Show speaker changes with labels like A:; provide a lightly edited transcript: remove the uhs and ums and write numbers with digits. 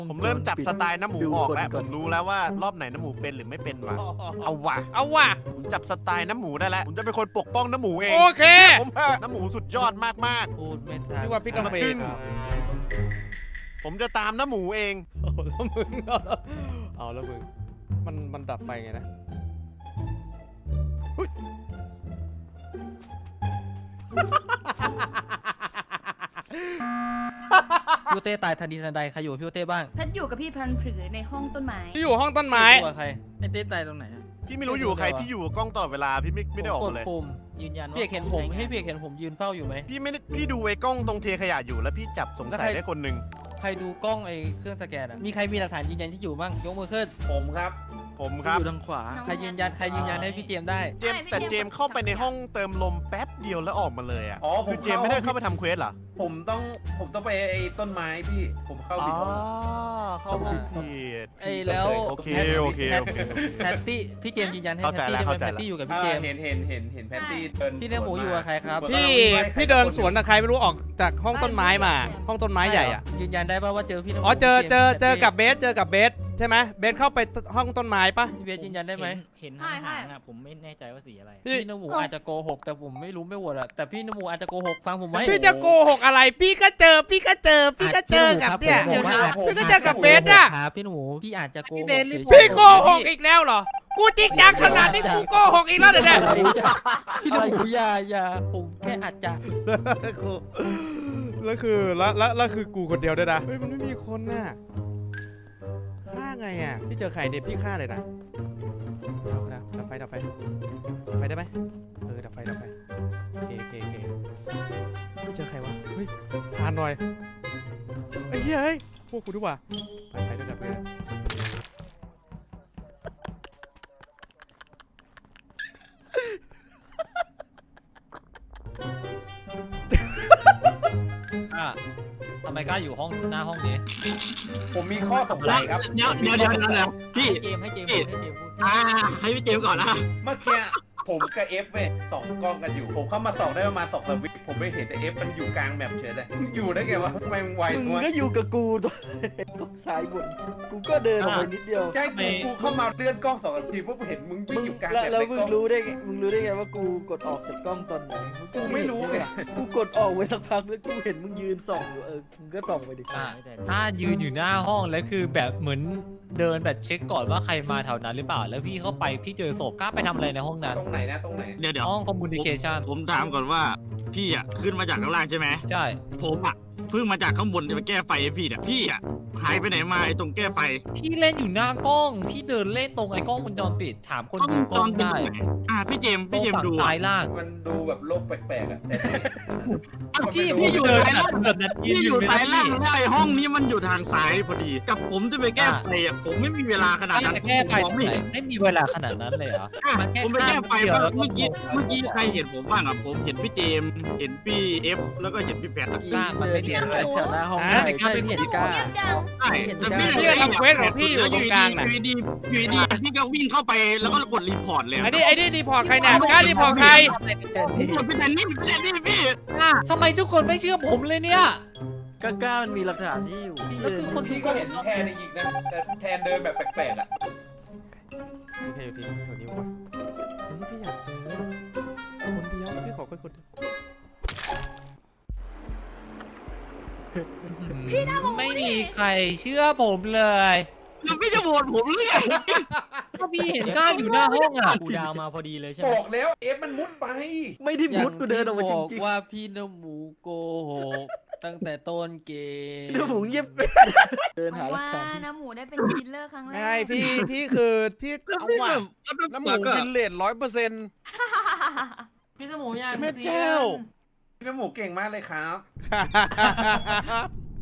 A: ผมเริ่มจับสไตล์น้ำหมูออกแล้วผมรู้แล้วว่ารอบไหนน้ำหมูเป็นหรือไม่เป็นวะเอาว่ะ
B: เอาว่ะ
A: ผมจับสไตล์น้ำหมูได้แล้วผมจะเป็นคนปกป้องน้ำหมูเอง
B: โอเค
A: ผมน้ำหมูสุดยอดมาก
C: พูดไม่ทัน
B: นี่ว่าพี่กำเบน
A: ๆผมจะตามน้ำหมูเอง
B: เอาแล้วมึงมันดับไฟไงนะ
C: พี่โอเต้ตายทันทีทันใดใครอยู่กับพี่โอเต้บ้าง
D: แพทอยู่กับพี่พลันผือในห้องต้นไม้
B: ที่อยู่ห้องต้นไม้
C: ตัวใครไอเต้ตายตรงไหนอะ
A: พี่ไม่รู้อยู่กับใครพี่อยู่กับกล้องตลอดเวลาพี่ไม่ได้ออก
C: ก
A: มา
C: ด
A: เลย
C: ปุ่ม
E: ยืนยันว่า
C: พี่เอกเห็นผมให้พี่เอกเห็นผมยืนเฝ้าอยู่ไหม
A: พี่ไม่ได้พี่ดูไอ้กล้องตรงเทขยะอยู่แล้วพี่จับสงสัยได้คนหนึ่ง
C: ใครดูกล้องไอเครื่องสแกนอะมีใครมีหลักฐานยืนยันที่อยู่บ้างยกมือขึ้น
F: ผมครับ
A: ผมครับ
E: อยู่ทางขวา
C: ใครยืนยันให้พี่เจมส์ได้
A: เจมส์แต่เจมส์เข้าไปในห้องเติมลมแป๊บเดียวแล้วออกมาเลยอ่ะ
F: อ๋อผม
A: คือเจมส์ไม่ได้เข้าไปทำเควสเหรอ
F: ผมต้องไปไอ้ต้นไม้พี่ผมเข้า
A: อ๋อ
F: ผิดห้อง
A: เข้าผิด
C: ไอแล้ว
A: โอเคโอเคโอเค
C: แพตตี้พี่เจมส์ยืนยันให้
A: เข้า
C: แพ
A: ใจ
C: ตตี้
A: แล้ว
C: ได้ไหม
A: เข้าใจ
C: แพ
A: แล้ว
C: ตตี้อยู่กับพี่เจมส์
F: เห็นแพนตี้เดิน
C: พี่เนื้อหมูอยู่กับใครครับ
B: พี่เดินสวนกับใครไม่รู้ออกจากห้องต้นไม้มา ห้องต้นไม้ใหญ่อะ
C: ยืนยันได้ป่ะว่าเจอพี่น้ำหมู
B: อ๋อเจอ
C: พี่จมส์
B: กับเบสใช่ไหมเบสเข้าไปห้องต้นไม้ปะ
C: พี่เบสยืนยันได้ไหม
E: เห็นหางๆอ่ะผมไม่แน่ใจว่าสีอะไร
C: พี่น้ำหมูอาจจะโกหกแต่ผมไม่รู้ไม่โหวตอะแต่พี่น้ำหมูอาจจะโกหกฟังผมไว้
B: พี่จะโกหกอะไร พี่ก็เจอกับเนี่ย พี่ก็เจอกับเบสอะ
C: ครับพี่หนูพี่อาจจะโกหก
B: พี่โกหกอีกแล้วเหรอ กูจริงจังขนาดนี้กูโกหกอีกแล้วเนี่ย
C: พี่หนูอย่าผมแค่อาจจะ
B: แล้วคือกูคนเดียวด้วยนะ เฮ้ยมันไม่มีคนน่ะฆ่าไงอ่ะ พี่เจอใครเนี่ยพี่ฆ่าเลยนะดับไฟได้ไหมดับไฟโอเคพี่เจอใครวะ เฮ้ยผ่านหน่อยไอ้เหี้ยเฮ้ยพวกกูดีกว่าไปด้วยกันไปด้วย
C: ทำไมกล้าอยู่ห้องหน้าห้องนี้
F: ผมมีข้อสงสัยครับ
G: เดี๋ยวพี่
E: ให้เจมส์พูด
G: ให้พี่เจมส์ก่อนนะ
F: เมื่อกี้ผมกับเอฟเว้ยส่องกล้องกันอยู่ ผมเข้ามาส่องได้ประมาณ2 วิผมไม่เห็นแต่เอฟมันอยู่กลางแมปเฉยเลยอยู่ได้ไงวะทำไมมึงไว
E: มึ
F: จั
E: ง
F: งวะ
E: ก็อยู่กับกูตัวซ้ายบนกูก็เดินออกไปนิดเดียว
F: ใช่กูเข้ามาเลื่อนกล้อง2 ทีปุ๊บเห็นมึงวิ่งอยู่กลางแมป
E: แล้ว
F: ใน
E: มึ
F: ก
E: ง
F: ล้อง
E: รู้ได้ไงว่ากูกดออกจากกล้องตอนไหน
F: กูไม่รู้ไง
E: กูกดออกไว้สักพักแล้วกูเห็นมึงยืนส่องอยู่มึงก็ส่องไปดิ
H: ถ้ายืนอยู่หน้าห้องแล้วคือแบบเหมือนเดินแบบเช็คก่อนว่าใครมาแถวนั้นหรือเปล่า แล้วพี่เข้าไปพี่เจอศพกล้าไปทำอะไรในห้องนั้น
F: ตรงไหนนะตรงไหน
G: เดี๋ยว
H: ห้องคอมมูนิเคชัน
G: ผมถามก่อนว่าพี่อ่ะขึ้นมาจากข้างล่างใช่ไหม
H: ใช่
G: ผมอ่ะเพิ่งมาจากข้างบนจะไปแก้ไฟให้พี่เนี่ยพี่อ่ะหายไปไหนมาไอ้ตรงแก้ไฟ
H: พี่เล่นอยู่หน้ากล้อง พี่เดินเล่นตรงไอ้กล้องวงจรปิดถามคนดูกล้อง
G: เป็น
H: ได้
G: ตรงไหนพี่เจมส์
H: ตรงฝั่ง
G: ดู
H: ซ้ายล่าง
F: มันดูแบบโลกแปลกๆอ่ะแต่
G: พี่อยู่
H: เดิน
G: ซ้ายล่าง
H: แบบนั้น
G: พี่อยู่ซ้ายล่างแล้วไอ้ห้องนี้มันอยู่ทางซ้ายพอดี กับผมจะไปแก้ไฟอ่ะผมไม่มีเวลาขนาดนั้น
H: แก้ไฟ
G: ผม
H: ตรง
G: ไม่
H: ไหน
G: เห็น
H: ไม่มีเวลาขนาดนั้นเลยเหรอ มันแค่
G: ผมไปแก้ไฟ
H: ข้าม
G: บ้าง
H: เดียว
G: เมื่อกี้
H: แล้วก็
G: ใครเห็นผมบ้างอ่ะผมเห็นพี่เจมส์เห็นพี่เอฟแล้วก็เห็นพี่แพท
H: กล้ามันไม่เห็นเลย
E: แถวหน้าห้อง
B: อ่ะ
E: ใช่เห็นกล้า
D: เงียบจัง
G: ใช่
E: เห็น
G: แต่
E: ได้
G: พี่
B: พี่ก็ทำเควสของพี่อยู่ตรงกลางน่ะ
G: อยู่ดีพี่ก็วิ่งเข้าไปแล้วก็กดรีพอร์ตเลย
B: ไอ้นี่รีพอร์ตใครเนี่ยกล้ารีพอร์ตใคร
G: ผมกดพี่แทนนี่พี่
H: ทำไมทุกคนไม่เชื่อผมเลยเนี่ย
E: ก็กล้ามันมีหลักฐานที่อยู่พี่
H: แล้ว
E: เดิน
H: คือคน
F: พี่ก็เห็นแทนในยิงนะแต่แทนเดินแบบแปลกๆอ่ะ
B: มีใครอยู่ที่แถวนี้วะเฮ้ยพี่อยากเจอคนเดียวพี่ขอคนเดียว
H: ไม่มีใครเชื่อผมเลย
G: แล้วพี่จะโหวตผมหรือไง
H: ก็พี่เห็นกล้าอยู่หน้าห้องอ่ะ
E: กูดาวมาพอดีเลยใช่
F: บ
E: ไหม
F: อกแล้วเอฟมันมุดไป
E: ไม่ได้มุดกูเดินออกมาจ
C: บอก
E: ริง
C: ว่าพี่น้ำหมูโกหกตั้งแต่ต้นเกม
E: ๆเดี๋ยวผมเงียบเดินหาหลัก
D: ว่า
E: ฐาน
D: น้ำหมูได้เป็นคิลเลอร์ครั้งแรก
B: ไม่พี่คือพี่เอาว่ะน้ำหมูวินเลน100%
E: พี่สมูยัง
B: แม่เจ้า
F: พี่น้ำหมูเก่งมากเลยครับ
B: เ